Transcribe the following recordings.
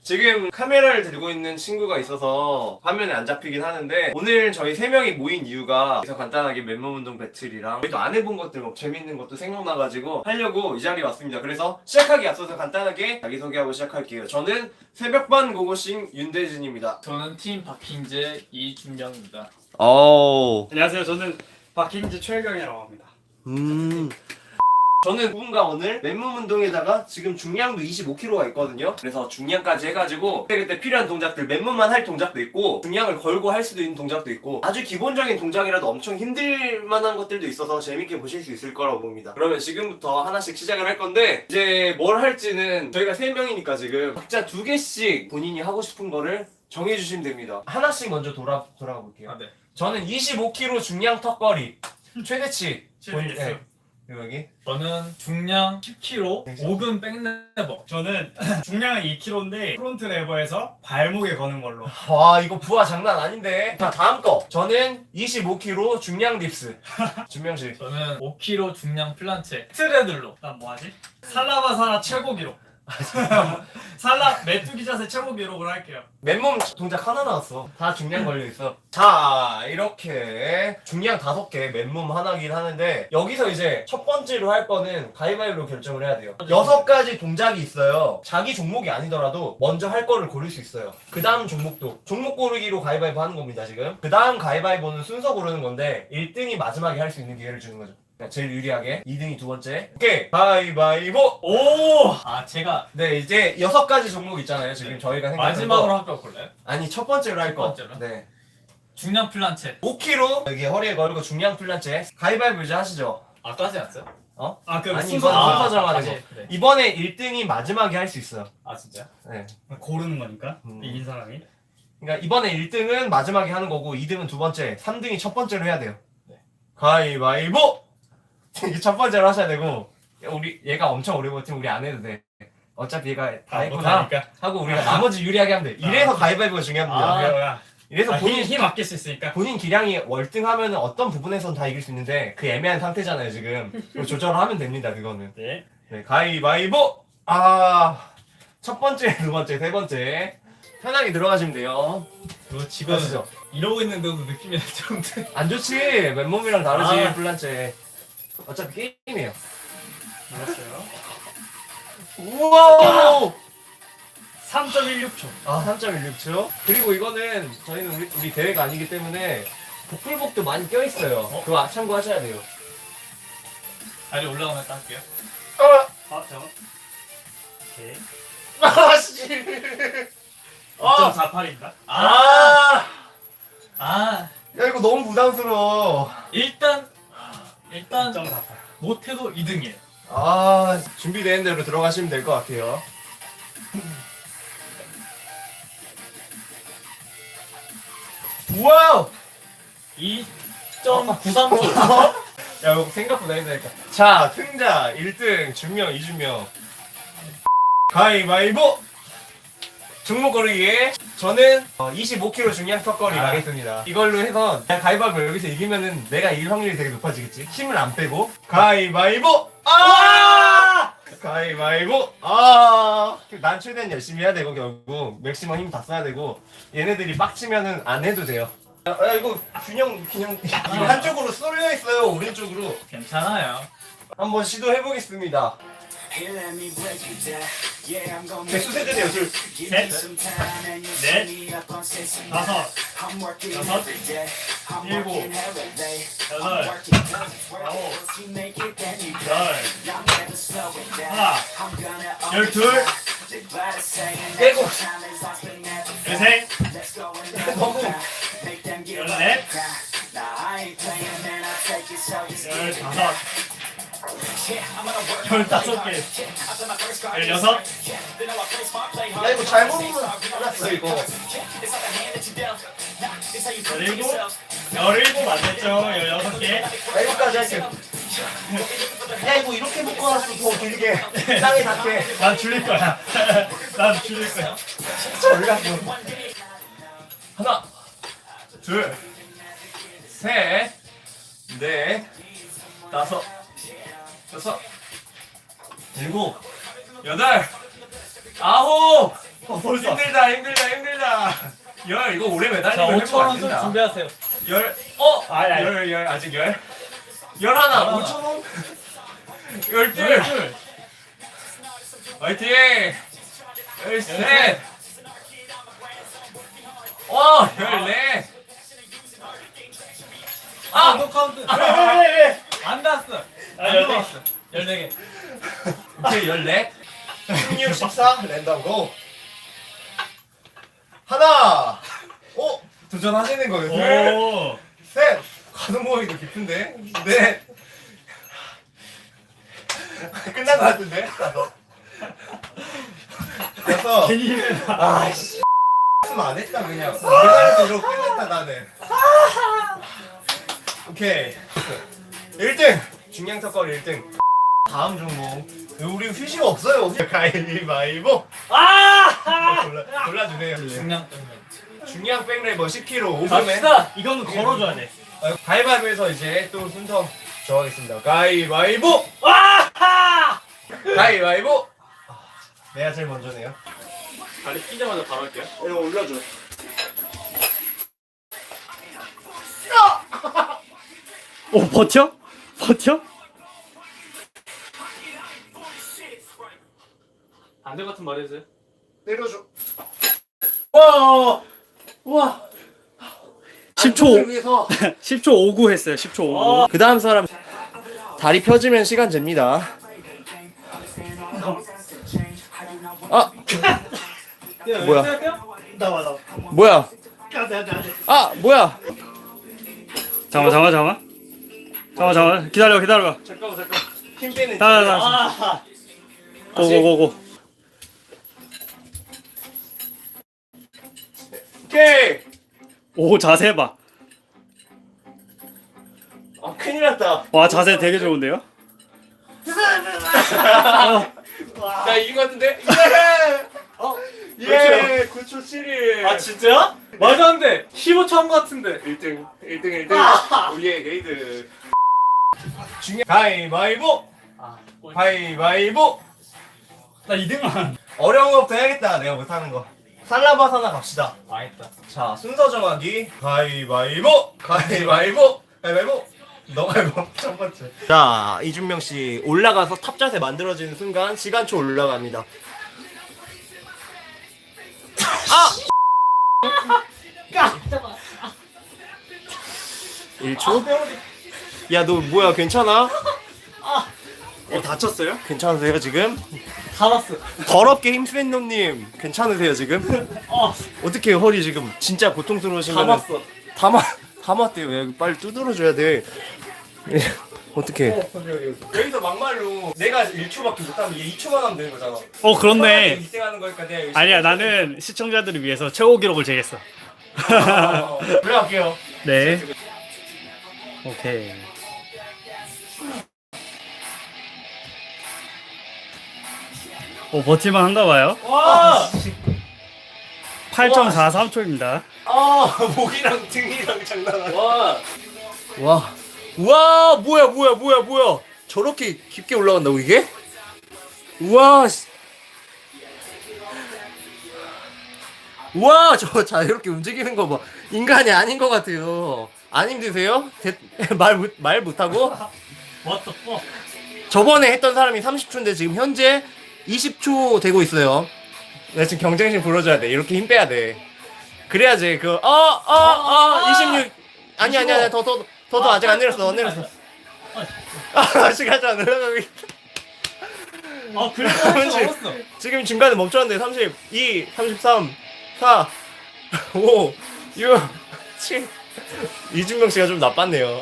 지금 카메라를 들고 있는 친구가 있어서 화면에 안 잡히긴 하는데 오늘 저희 3명이 모인 이유가 그래서 간단하게 맨몸 운동 배틀이랑 저희도 안 해본 것들 뭐 재밌는 것도 생각나가지고 하려고 이 자리에 왔습니다. 그래서 시작하기 앞서서 간단하게 자기소개하고 시작할게요. 저는 새벽반 고고싱 윤대진입니다. 저는 팀 박힌재 이준영입니다. 안녕하세요. 저는 박힌재 최경이라고 합니다. 저는 누군가 오늘 맨몸 운동에다가 지금 중량도 25kg가 있거든요. 그래서 중량까지 해가지고 그때 필요한 동작들, 맨몸만 할 동작도 있고 중량을 걸고 할 수도 있는 동작도 있고 아주 기본적인 동작이라도 엄청 힘들 만한 것들도 있어서 재밌게 보실 수 있을 거라고 봅니다. 그러면 지금부터 하나씩 시작을 할 건데 이제 뭘 할지는 저희가 3명이니까 지금 각자 2개씩 본인이 하고 싶은 거를 정해주시면 됩니다. 하나씩 먼저 돌아가 볼게요. 아, 네. 저는 25kg 중량 턱걸이 최대치 최대치. 여기 저는 중량 10kg, 5근 백레버. 저는 중량은 2kg인데 프론트 레버에서 발목에 거는 걸로. 와 이거 부하 장난 아닌데. 자 다음 거 저는 25kg 중량 딥스 준명씨. 저는 5kg 중량 플란체. 트레들로. 난 뭐하지? 살라바사라 최고 기록. 살라 메뚜기 자세 최고 기록을 할게요. 맨몸 동작 하나 나왔어. 다 중량 걸려있어. 자 이렇게 중량 5개 맨몸 하나긴 하는데 여기서 이제 첫 번째로 할 거는 가위바위보로 결정을 해야 돼요. 6가지 동작이 있어요. 자기 종목이 아니더라도 먼저 할 거를 고를 수 있어요. 그 다음 종목도 종목 고르기로 가위바위보 하는 겁니다 지금. 그 다음 가위바위보는 순서 고르는 건데 1등이 마지막에 할 수 있는 기회를 주는 거죠. 그러니까 제일 유리하게 2등이 두 번째. 오케이 가위바위보. 오! 아, 제가 네 이제 6가지 종목 있잖아요 지금 저희가 생각하는 마지막으로 거. 할까 볼까요? 아니 첫 번째로 할 거. 첫 번째로? 네. 중량 플란체. 5kg 여기 허리에 걸고 중량 플란체 가위바위보 이제 하시죠. 아까 하지 않았어요? 어? 아, 그 아니 순서 이건 아, 순서 정하는 다시. 거. 네. 이번에 1등이 마지막에 할 수 있어요. 아, 진짜요? 네. 고르는 거니까 음. 이긴 사람이. 그러니까 이번에 1등은 마지막에 하는 거고 2등은 두 번째, 3등이 첫 번째로 해야 돼요. 네. 가위바위보. 이게 첫 번째로 하셔야 되고 우리 얘가 엄청 오래 버티면 우리 안 해도 돼. 어차피 얘가 다 했구나 못하니까. 하고 우리가 나머지 유리하게 하면 돼. 이래서 가위바위보가 중요합니다. 아, 뭐야. 이래서 힘 아낄 수 있으니까. 본인 기량이 월등하면 어떤 부분에선 다 이길 수 있는데 그 애매한 상태잖아요 지금. 그거 조절을 하면 됩니다 그거는. 네. 네, 가위바위보. 첫 번째, 두 번째, 세 번째 편하게 들어가시면 돼요. 너 지금 아시죠? 이러고 있는데도 느낌이 날 정도. 안 좋지. 맨몸이랑 다르지 아. 플란체. 어차피 게임이에요. 알았어요. 우와. 3.16초. 3.16초. 그리고 이거는 저희는 우리 대회가 아니기 때문에 복불복도 많이 껴있어요. 그거 참고하셔야 돼요. 다리 올라가면 딱 할게요. 아, 잠깐. 오케이. 아씨. 2.48인가? 아. 아, 야 이거 너무 부담스러워. 일단 2.48. 못해도 2등이에요. 준비된 대로 들어가시면 될 것 같아요. 와우! 2.93초. 야, 이거 생각보다 힘드니까. 자, 승자 1등 준명, 이준명. 가위바위보! 종목 고르기에 저는 25kg 중량 턱걸이 가겠습니다. 이걸로 해서 그냥 가위바위보 여기서 이기면은 내가 이길 확률이 되게 높아지겠지? 힘을 안 빼고. 가위바위보! 가위바위보! 난 최대한 열심히 해야 되고 결국 맥시멈 힘 다 써야 되고 얘네들이 빡치면은 안 해도 돼요. 야 이거 균형 한쪽으로 쏠려 있어요. 오른쪽으로. 괜찮아요. 한번 시도해 보겠습니다. 개수 세드네요. 둘. 셋, 넷, 다섯, 여섯, 일곱, 여덟, 아홉, 열, 하나, 12, 일곱. 열셋, 너무 열넷, 열다섯, 15개, 16, 야 이거 잘못 알았어 이거. 17 안 됐죠? 16개, 나 이거까지 할게. 야 이거 이렇게 묶어놨어 더 길게. 땅에 닿게. 난 줄일 거야. 난 줄일 거야. 전략도. 하나, 둘, 셋, 넷, 다섯, 여섯, 일곱, 여덟, 아홉, 벌써. 힘들다 열 이거 오래 자, 매달리면 5천 회복 안 원씩 된다. 준비하세요. 아니. 열 아직 열 하나 하나. 5천 원 열둘 열둘. 화이팅 열셋 열셋. 열넷 노 카운트. 왜? 안 닿았어. 안 14. 닿았어. 14개. 오케이 14 16 14 랜덤 고 하나 도전하시는 거예요 오. 셋 가동 범위도 깊은데 넷 끝난 거 같은데 여섯 아씨 안 했다 그냥 내가 이러고 끝냈다 나는 오케이 1등 중량 턱걸이 1등 다음 종목 우리 휴식 없어요 가위바위보 골라주세요 중량 때문에. 중량 백레버 10kg 5분에 갑시다. 이거는 걸어줘야 돼. 가위바위보에서 이제 또 순서 정하겠습니다 가위바위보 가위바위보 내가 제일 먼저네요 다리 끼자마자 바로 할게요. 이거 올려줘 오 버텨? 버텨? 안될 같은 말 해주세요. 내려줘 와. 10초 위해서 10초 59 했어요. 10초 59. 그 다음 사람 다리 펴지면 시간 잽니다 뭐야? 나와. 뭐야 안 뭐야 잠깐만. 기다려. 잠깐 힘 빼는 고고고고. 오케이 오 자세 봐. 큰일 났다 와 자세 되게 좋은데요? 나 이긴 것 같은데? 예! 9초 7일 아 진짜야? 말도 안 돼. 15초 한 거 같은데. 1등 우리의 게이드 중요한 가위바위보 가위바위보 나 2등만. 어려운 거부터 해야겠다 내가 못하는 거 살라바사나 갑시다 망했다. 자 순서 정하기 가위바위보 너가 해봐 첫 번째 자 이준명씨 올라가서 탑 자세 만들어지는 순간 시간초 올라갑니다 1초? 야 너 뭐야 괜찮아? 다쳤어요? 괜찮으세요 지금? 다 봤어. 더럽게 힘센 놈님 괜찮으세요 지금? 어떻게 허리 지금 진짜 고통스러우신 다 거는 봤어. 다 맞대요 야, 빨리 두드려줘야 돼 어떻게 여기서 막말로 내가 1초밖에 못하면 얘 2초만 하면 되는 거잖아 그렇네. 희생하는 거니까 내가 열심히 아니야 나는 시청자들을 위해서 최고 기록을 재겠어. 올라갈게요 네. 오케이. 버틸만 한가 봐요. 와. 8.43초입니다. 목이랑 등이랑 장난하네 와. 와 뭐야 저렇게 깊게 올라간다고 이게? 우와 우와 저 자유롭게 움직이는 거 봐 인간이 아닌 것 같아요 안 힘드세요? 말 못하고? What the fuck? 저번에 했던 사람이 30초인데 지금 현재 20초 되고 있어요 내가 지금 경쟁심 불러줘야 돼 이렇게 힘 빼야 돼 그래야지 26 아니야 더도 아직 안 내렸어 시간 안 올라가고 있다 그래도 그렇지. 넘었어. 지금 중간에 멈췄는데 32, 33, 4, 5, 6, 7 이준명 씨가 좀 나빴네요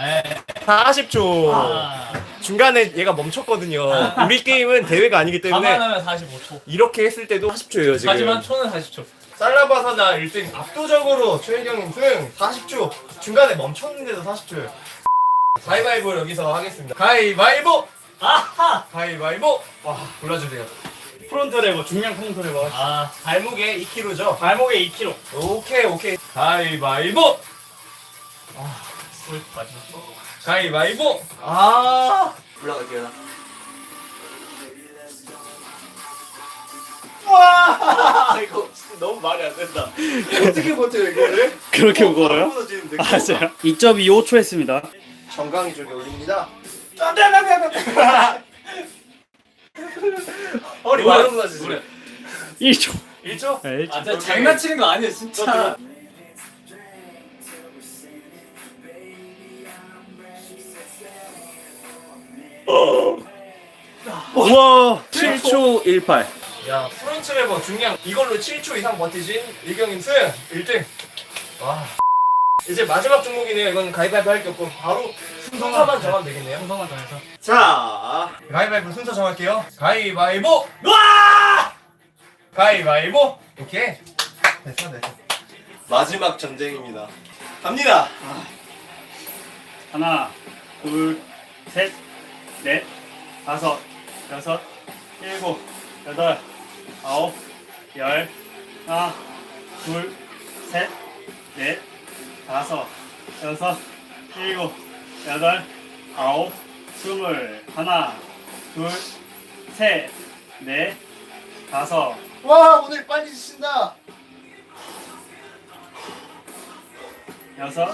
40초 중간에 얘가 멈췄거든요 우리 게임은 대회가 아니기 때문에 감안하면 45초. 이렇게 했을 때도 40초예요 지금 하지만 초는 40초. 살라바사나 1등 압도적으로 최혜경님 승 40초 중간에 멈췄는데도 40초예요 가위바위보 여기서 하겠습니다 가위바위보 가위바위보 골라주세요 프론트 레버 중량 프론트 레버. 발목에 2kg죠? 발목에 2kg. 오케이 가위바위보 마지막. 가위바위보 올라갈게요 와 이거 진짜 너무 말이 안 된다. 어떻게 버텨요 이거를? 그렇게 무거워요? 무너지는데. 맞아요. 2.25초 했습니다. 정강이 쪽에 올립니다. 안돼. 허리 많이 무너지지. 1초. 1초? 네, 1초. 아, 진짜 장난치는 거 아니에요, 진짜. 우와 7초 18. 야 프론트 레버 중량 이걸로 7초 이상 버티신 일경님 승 1등. 와. 이제 마지막 종목이네요. 이건 가위바위보 할 게 없고 바로 순서만 정하면 되겠네요. 순서만 정해서. 자 가위바위보 순서 정할게요. 가위바위보. 와! 가위바위보. 오케이. 됐어. 마지막 전쟁입니다. 갑니다. 하나, 둘, 셋, 넷, 다섯, 여섯, 일곱, 여덟, 아홉, 열, 하나, 둘, 셋, 넷, 다섯, 여섯, 일곱, 여덟, 아홉, 스물, 하나, 둘, 셋, 넷, 다섯, 와 오늘 빨리 주신다. 여섯,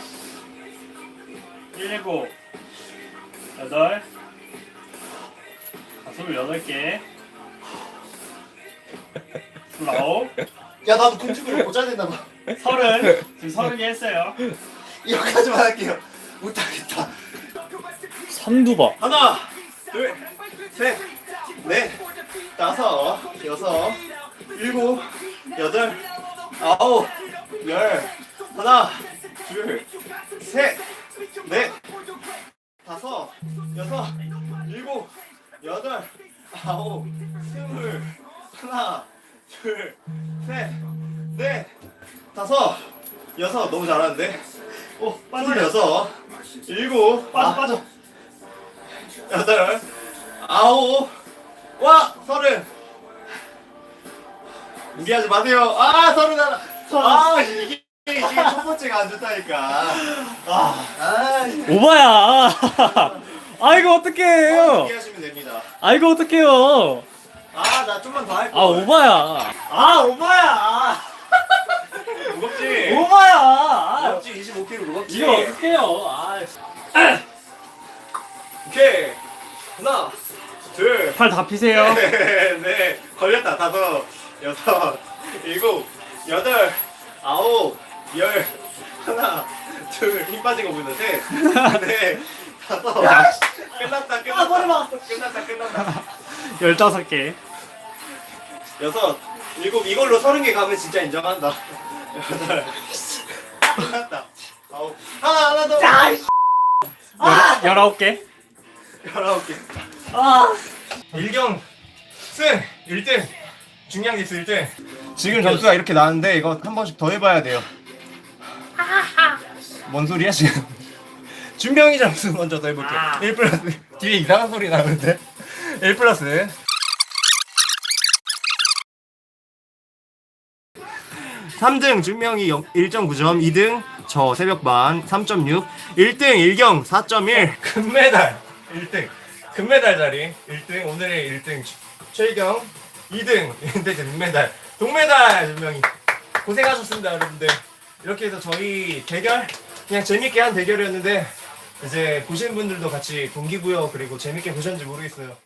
일곱, 여덟, 28개, 29, 야 나도 군축으로 모자 된다 봐. 30, 지금 30개 했어요. 이거까지만 할게요. 못하겠다. 선두바. 하나, 둘, 셋, 넷, 다섯, 여섯, 일곱, 여덟, 아홉, 열. 하나, 둘, 셋, 넷, 다섯, 여섯, 일곱, 여덟, 아홉, 스물. 하나, 둘, 셋, 넷, 다섯, 여섯. 너무 잘하는데? 오, 스물여섯, 일곱, 빠져. 여덟, 아홉, 와, 30. 무리하지 마세요. 아, 31. 아, 이게 첫 번째가 안 좋다니까. 오바야. 아 이거 어떡해요? 무리하시면 됩니다. 아 이거 어떡해요? 아, 나 좀만 더 할게. 아 오바야. 아, 오바야. 무겁지? 오바야. 무겁지? 25kg 무겁지? 이거 어떡해요? 아, 오케이. 하나, 둘, 팔 다 피세요. 네, 걸렸다. 다섯, 여섯, 일곱, 여덟, 아홉, 열. 하나, 둘, 힘 빠진 거 보이는 셋, 넷, 다섯. 끝났다. 끝났다. 15개. 여섯, 일곱, 이걸로 30개 가면 진짜 인정한다. 여덟, 끝났다. 아홉, 하나 더. 19개. 19개. 일경 승 1등. 중량 지수 1등. 지금 점수가 이렇게 나왔는데 이거 한 번씩 더 해봐야 돼요. 뭔 소리야 지금? 준명이 점수 먼저 더 해볼게. 1 플러스. 뒤에 이상한 소리 나는데. 1 플러스. 3등 준명이 1.9점, 2등 저 새벽반 3.6, 1등 일경 4.1, 금메달 1등, 금메달 자리 1등, 오늘의 1등 최일경 2등, 근데 금메달, 동메달 준명이 고생하셨습니다 여러분들. 이렇게 해서 저희 대결 그냥 재밌게 한 대결이었는데 이제 보시는 분들도 같이 동기부여 그리고 재밌게 보셨는지 모르겠어요.